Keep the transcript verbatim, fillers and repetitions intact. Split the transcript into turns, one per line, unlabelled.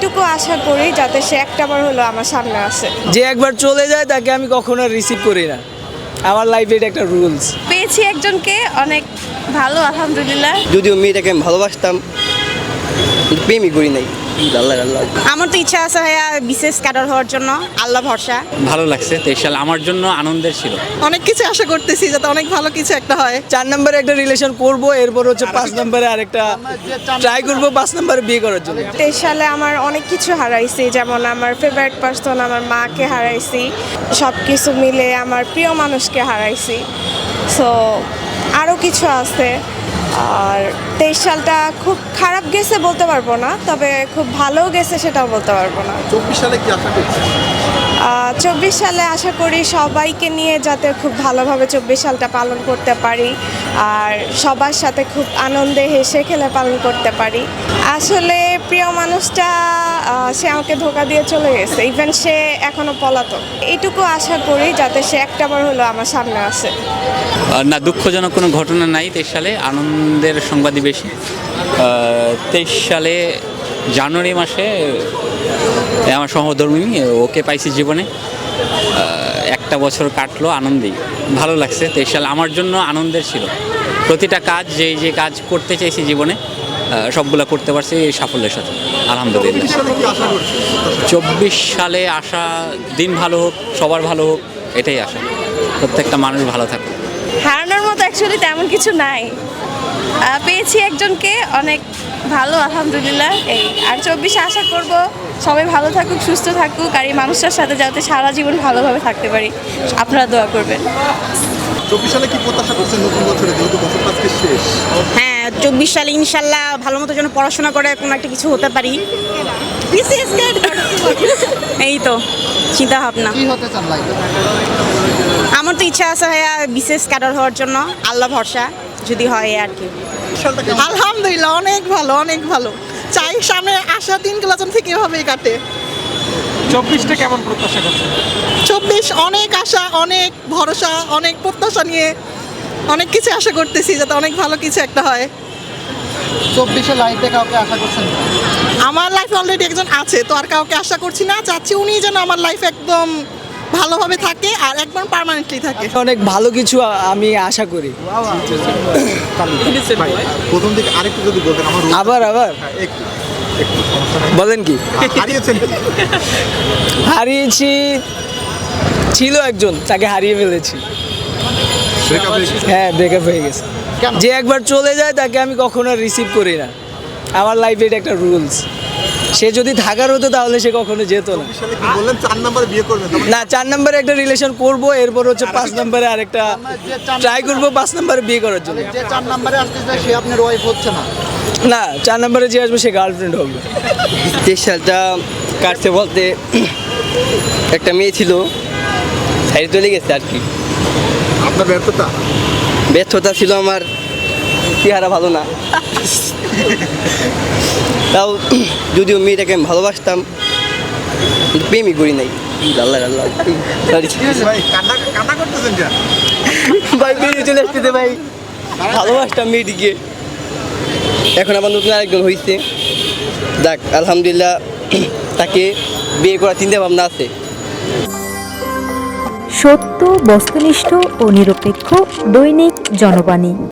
এইটুকু আশা করি যাতে সে একটাবার হলো আমার সামনে আসে।
যে একবার চলে যায় তাকে আমি কখনো রিসিভ করি না, আমার লাইফে এটা একটা রুলস।
পেয়েছি একজনকে, অনেক ভালো আলহামদুলিল্লাহ।
যদিও মেয়েটাকে আমি ভালোবাসতাম, কিন্তু প্রেমই করি নাই। আল্লাহ আল্লাহ
আমার তো ইচ্ছা আছে ভাইয়া বিশেষ ক্যাডার হওয়ার জন্য, আল্লাহ ভরসা।
ভালো লাগছে, তেইশ সাল আমার জন্য আনন্দের ছিল।
অনেক কিছু আশা করতেছি যাতে অনেক ভালো কিছু একটা হয়।
চার নম্বরে একটা রিলেশন করব, এরপর হচ্ছে পাঁচ নম্বরে আরেকটা ট্রাই করব, পাঁচ নম্বরে বিয়ে করার জন্য।
তেইশ সালে আমার অনেক কিছু হারাইছি, যেমন আমার ফেভারিট পার্সন আমার মাকে হারাইছি, সব কিছু মিলে আমার প্রিয় মানুষকে হারাইছি। সো আরও কিছু আছে। আর তেইশ সালটা খুব খারাপ গেছে বলতে পারবো না, তবে খুব ভালো গেছে সেটাও বলতে পারবো না।
চব্বিশ সালে কি আশা করছেন?
চব্বিশ সালে আশা করি সবাইকে নিয়ে যাতে খুব ভালোভাবে চব্বিশ সালটা পালন করতে পারি, আর সবার সাথে খুব আনন্দে হেসে খেলে পালন করতে পারি। আসলে প্রিয় মানুষটা আহ, সে আমাকে ধোকা দিয়ে চলে গেছে, ইভেন সে এখনো পলাতক। এইটুকু আশা করি যাতে সে একটাবার হলো আমার সামনে আসে।
না, দুঃখজনক কোনো ঘটনা নাই তেইশ সালে, আনন্দের সংবাদই বেশি। তেইশ সালে জানুয়ারি মাসে আমার সহধর্মিনী ওকে পাইছি জীবনে, একটা বছর কাটলো আনন্দেই, ভালো লাগছে। তেইশ সাল আমার জন্য আনন্দের ছিল। প্রতিটা কাজ, যে যে কাজ করতে চাইছি জীবনে সবগুলো করতে পারছি সাফল্যের সাথে, আলহামদুলিল্লাহ। চব্বিশ সালে আসা দিন ভালো হোক, সবার ভালো হোক, এটাই আশা। প্রত্যেকটা মানুষ ভালো থাকুক।
হারানোর মতো অ্যাকচুয়ালি তেমন কিছু নাই, পেয়েছি একজনকে, অনেক ভালো আলহামদুলিল্লাহ। এই আর চব্বিশে আশা করব সবাই ভালো থাকুক, সুস্থ থাকুক, আর এই মানুষটার সাথে যাতে সারা জীবন ভালোভাবে থাকতে পারি। আপনারা দোয়া করবেন।
চব্বিশ সালে কি প্রত্যাশা করছেন নতুন বছরে, যেহেতু বছরটা আজকে শেষ?
হ্যাঁ, চব্বিশ সালে ইনশাল্লাহ ভালো মতো যেন পড়াশোনা করে কোনো একটা কিছু হতে পারি। এই তো চিন্তা ভাবনা।
কি হতে চান লাইফে?
আমার তো ইচ্ছা আছে ভাইয়া বিশেষ ক্যাডার হওয়ার জন্য, আল্লাহ ভরসা যদি হয় আর কি।
আলহামদুলিল্লাহ অনেক ভালো, অনেক ভালো। চাই সামনে আসা দিনগুলো যেন থেকে এভাবেই কাটে।
চব্বিশটা কেমন প্রত্যাশা করছেন?
চব্বিশ অনেক আশা, অনেক ভরসা, অনেক প্রত্যাশা নিয়ে অনেক কিছু আশা করতেছি যাতে অনেক ভালো কিছু একটা হয়।
চব্বিশে লাইফে কাউকে আশা করছেন?
আমার লাইফে অলরেডি একজন আছে, তো আর কাউকে আশা করছি না। চাচ্ছি উনি যেন আমার লাইফে একদম ভালোভাবে থাকে আর একদম পার্মানেন্টলি থাকে।
অনেক ভালো কিছু আ- আমি আশা করি।
প্রথম দিকে আরেকটু যদি বলতেন আমার।
আবার আবার
হ্যাঁ, একটু একটু সমস্যা নেই।
বলেন কি?
হারিয়েছেন কি?
হারিয়েছি, ছিল একজন, তাকে হারিয়ে ফেলেছি।
Breakup হয়ে গেছে?
হ্যাঁ, ব্রেকআপ হয়ে গেছে।
কেন?
যে একবার চলে যায় তাকে আমি কখনো রিসিভ করি না, আমার লাইফে এটা একটা রুলস। সে যদি থাকার হতো তাহলে সে কখনো যেত না।
চব্বিশ সালে কি বললেন চার নম্বরে বিয়ে করবেন? তার মানে
না, চার নম্বরে একটা রিলেশন করব, এরপর হচ্ছে পাঁচ নম্বরে আরেকটা ট্রাই করব, পাঁচ নম্বরে বিয়ে করার জন্য।
যে চার নম্বরে আসতেছে সে আপনার ওয়াইফ হচ্ছে না?
না, চার নম্বরে যে আসবে সে গার্লফ্রেন্ড হবে।
তেইশ সালটা কাটছে বলতে একটা মেয়ে ছিল, সাইডে চলে গেছে আর কি।
আপনার ব্যর্থতা?
ব্যর্থতা ছিল আমার, চেহারা ভালো না। তাও যদিও মেয়েটাকে আমি ভালোবাসতাম, কিন্তু প্রেমই করি নাই। আল্লাহ আল্লাহ
ভাই কান্না কান্না করতেছেন কেন?
ভাই বেরিয়ে চলে আসতেছে ভাই, ভালোবাসতাম মেয়েটিকে, এখন আবার নতুন আরেকজন হয়েছে। যাক আলহামদুলিল্লাহ, তাকে বিয়ে করার চিন্তা ভাবনা আছে।
সত্য, বস্তুনিষ্ঠ ও নিরপেক্ষ দৈনিক জনবাণী।